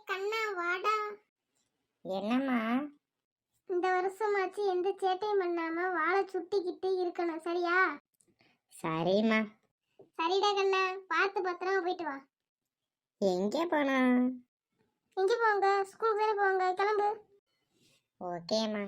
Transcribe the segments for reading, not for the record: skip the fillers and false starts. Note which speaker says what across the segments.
Speaker 1: கண்ணா வாடா.
Speaker 2: என்னம்மா?
Speaker 1: இந்த வருஷமாச்சு எந்த சேட்டையும் பண்ணாம வாழை சுட்டிக்கிட்டு இருக்கணும், சரியா?
Speaker 2: சரிம்மா.
Speaker 1: சரிடா கண்ணா, பார்த்து பத்திரமா போயிட்டு வா.
Speaker 2: எங்கே போனா?
Speaker 1: எங்க போங்க? ஸ்கூலுக்கு தானே போவாங்க, கிளம்பு.
Speaker 2: ஓகேம்மா.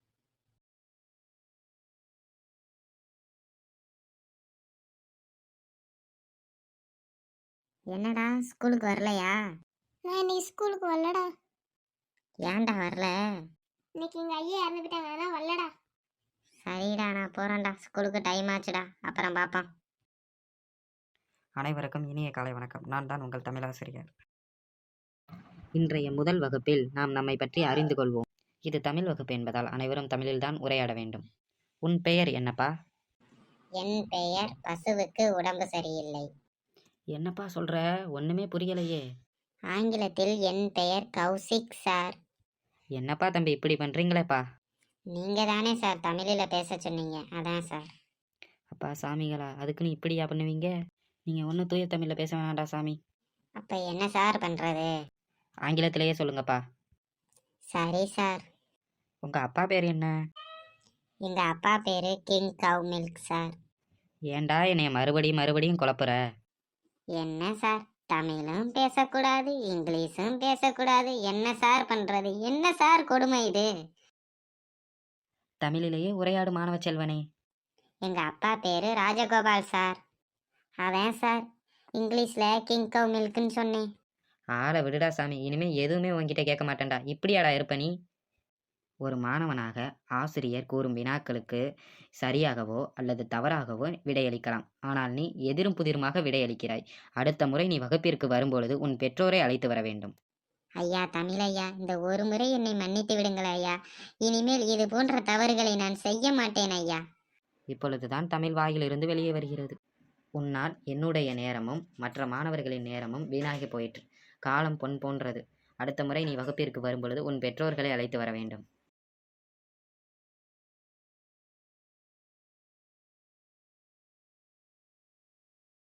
Speaker 2: என்னடா ஸ்கூலுக்கு வரலையா?
Speaker 1: நான் இன்னைக்கு ஸ்கூலுக்கு வரலடா.
Speaker 2: ஏன்டா வரல?
Speaker 1: இன்னைக்கு எங்க ஐயா இறந்துட்டாங்க, அதான் வரலடா.
Speaker 2: சரிடா, நான் போறேன்டா. ஸ்கூலுக்கு டைம் ஆச்சுடா, அப்புறம் பார்ப்போம்.
Speaker 3: அனைவருக்கும் இனிய காலை வணக்கம். நான் தான் உங்கள் தமிழாசிரியர். இன்றைய முதல் வகுப்பில் நாம் நம்மை பற்றி அறிந்து கொள்வோம். இது தமிழ் வகுப்பு என்பதால் அனைவரும் தமிழில்தான் உரையாட வேண்டும். உன் பெயர் என்னப்பா?
Speaker 2: என் பெயர் பசுவுக்கு உடம்பு சரியில்லை.
Speaker 3: என்னப்பா சொல்ற? ஒண்ணுமே புரியலையே.
Speaker 2: ஆங்கிலத்தில் என் பெயர் கௌசிக் சார்.
Speaker 3: என்னப்பா தம்பி இப்படி பண்றீங்களேப்பா?
Speaker 2: நீங்க தானே சார் தமிழில் பேச சொன்னீங்க, அதான் சார்.
Speaker 3: அப்பா சாமிகளா, அதுக்குன்னு இப்படியா பண்ணுவீங்க? நீங்க ஒன்றும் தூய தமிழில் பேச வேணாண்டா சாமி.
Speaker 2: அப்ப என்ன சார் பண்றது?
Speaker 3: ஆங்கிலத்திலேயே சொல்லுங்கப்பா.
Speaker 2: சரி சார்.
Speaker 3: உங்க அப்பா பேர் என்ன?
Speaker 2: எங்க அப்பா பேரு கிங் கவ் மில்க் சார்.
Speaker 3: ஏன்டா என்னைய மறுபடியும் குழப்புற?
Speaker 2: என்ன சார், தமிழும் பேசக்கூடாது, இங்கிலீஷும் பேசக்கூடாது, என்ன சார் பண்றது? என்ன சார் கொடுமை இது?
Speaker 3: தமிழிலேயே உரையாடு மாணவ செல்வனே.
Speaker 2: எங்க அப்பா பேரு ராஜகோபால் சார். அதான் சார் இங்கிலீஷ்ல கிங் கவ் மில்க்னு சொன்னேன்.
Speaker 3: ஆளை விடுடா சாமி, இனிமே எதுவுமே உன்கிட்ட கேட்க மாட்டேன்டா. இப்படியாடா இருப்ப நீ? ஒரு மாணவனாக ஆசிரியர் கூறும் வினாக்களுக்கு சரியாகவோ அல்லது தவறாகவோ விடையளிக்கலாம். ஆனால் நீ எதிரும் புதிருமாக விடையளிக்கிறாய். அடுத்த முறை நீ வகுப்பிற்கு வரும்பொழுது உன் பெற்றோரை அழைத்து வர வேண்டும்.
Speaker 2: ஐயா தமிழ் ஐயா, இந்த ஒரு முறை என்னை மன்னித்து விடுங்கள் ஐயா. இனிமேல் இது போன்ற தவறுகளை நான் செய்ய மாட்டேன் ஐயா.
Speaker 3: இப்பொழுதுதான் தமிழ் வாயிலிருந்து வெளியே வருகிறது. உன்னால் என்னுடைய நேரமும் மற்ற மாணவர்களின் நேரமும் வீணாகி போயிற்று. காலம் பொன் போன்றது. அடுத்த முறை நீ வகுப்பிற்கு வரும்பொழுது உன் பெற்றோர்களை அழைத்து வர வேண்டும்.